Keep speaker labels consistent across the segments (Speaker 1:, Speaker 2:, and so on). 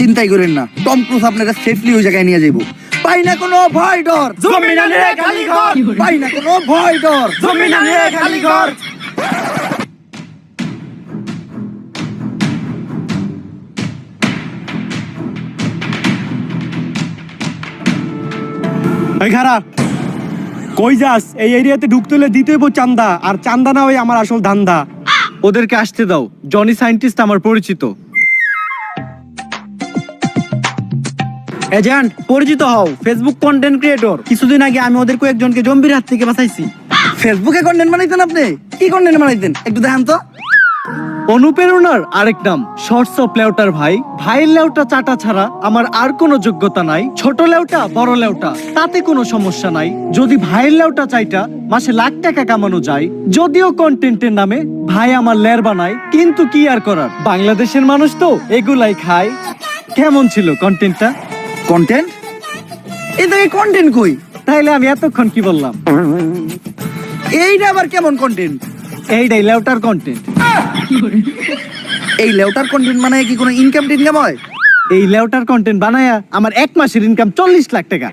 Speaker 1: চিন্তাই করেন না, টম ক্রুজ আপনারা সেফলি ওই জায়গায় নিয়ে যাবো। পাই না কোনো ভয় ডর,
Speaker 2: জমিনা নিয়ে খালি ঘর,
Speaker 1: পাই না কোনো ভয় ডর।
Speaker 2: জমিনা নিয়ে খালি ঘর।
Speaker 3: এই খারাপ কই যাস? এই এরিয়াতে ঢুকতে হলে দিতে হইব চান্দা, আর চান্দা না ওই আমার আসল ধান্দা।
Speaker 4: ওদেরকে আসতে দাও, জনি সায়েন্টিস্ট আমার পরিচিত।
Speaker 2: এজেন্ট পরিচিত হও, ফেসবুক কন্টেন্ট ক্রিয়েটর। কিছুদিন আগে আমি ওদের কয়েকজনকে জম্বির হাত থেকে বাঁচাইছি।
Speaker 1: ফেসবুকে কন্টেন্ট বানাইতেন আপনি? কি কন্টেন্ট বানাইতেন একটু দেখান তো।
Speaker 4: অনুপ্রেরণার আরেক নাম শর্টস অফ লেউটার ভাই। ভাইয়ের লেউটা চাটা ছাড়া আমার আর কোনো যোগ্যতা নাই। ছোট লেউটা বড় লেউটা তাতে কোনো সমস্যা নাই। যদি ভাইয়ের লেউটা চাইটা মাসে লাখ টাকা কামানো যায়। যদিও কন্টেন্টের নামে ভাই আমার লের বানায়, কিন্তু কি আর করার, বাংলাদেশের মানুষ তো এগুলাই খায়। কেমন ছিল কন্টেন্টটা?
Speaker 1: কন্টেন্ট? এই থেকে কন্টেন্ট কই?
Speaker 4: তাইলে আমি এতক্ষণ কি বললাম?
Speaker 1: এইটা আবার কেমন কন্টেন্ট?
Speaker 4: এইটাই লেউটার কন্টেন্ট।
Speaker 1: এই লেউটার কন্টেন্ট মানে কি কোনো ইনকাম টিনকাম হয়?
Speaker 4: এই লেউটার কন্টেন্ট বানায়া আমার এক মাসের ইনকাম 40 লাখ টাকা।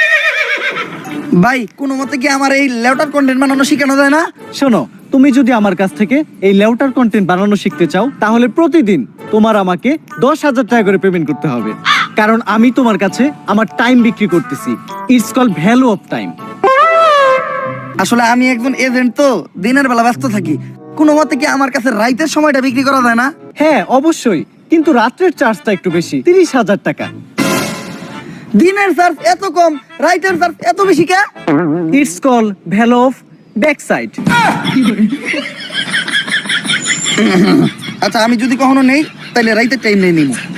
Speaker 1: ভাই কোনো মতে কি আমার এই লেউটার কন্টেন্ট বানানো শেখানো যায় না?
Speaker 4: শোনো, তুমি যদি আমার কাছ থেকে এই লেউটার কন্টেন্ট বানানো শিখতে চাও, তাহলে প্রতিদিন তোমার আমাকে 10,000 টাকা করে পেমেন্ট করতে হবে। কারণ আমি তোমার কাছে আমার টাইম বিক্রি করতেছি। It's call value of time.
Speaker 1: আসলে আমি একজন এজেন্ট, তো দিনের বেলা ব্যস্ত থাকি। কোনো মতে কি আমার কাছে রাইতের সময়টা বিক্রি করা যায় না?
Speaker 4: হ্যাঁ অবশ্যই, কিন্তু রাত্রের চার্জটা একটু বেশি, 30,000 টাকা।
Speaker 1: দিনের চার্জ এত কম, রাইতের চার্জ এত বেশি কে?
Speaker 4: It's call value of back side.
Speaker 1: আচ্ছা আমি যদি কখনো নেই তাহলে রাইতের টাইম নেই নিব।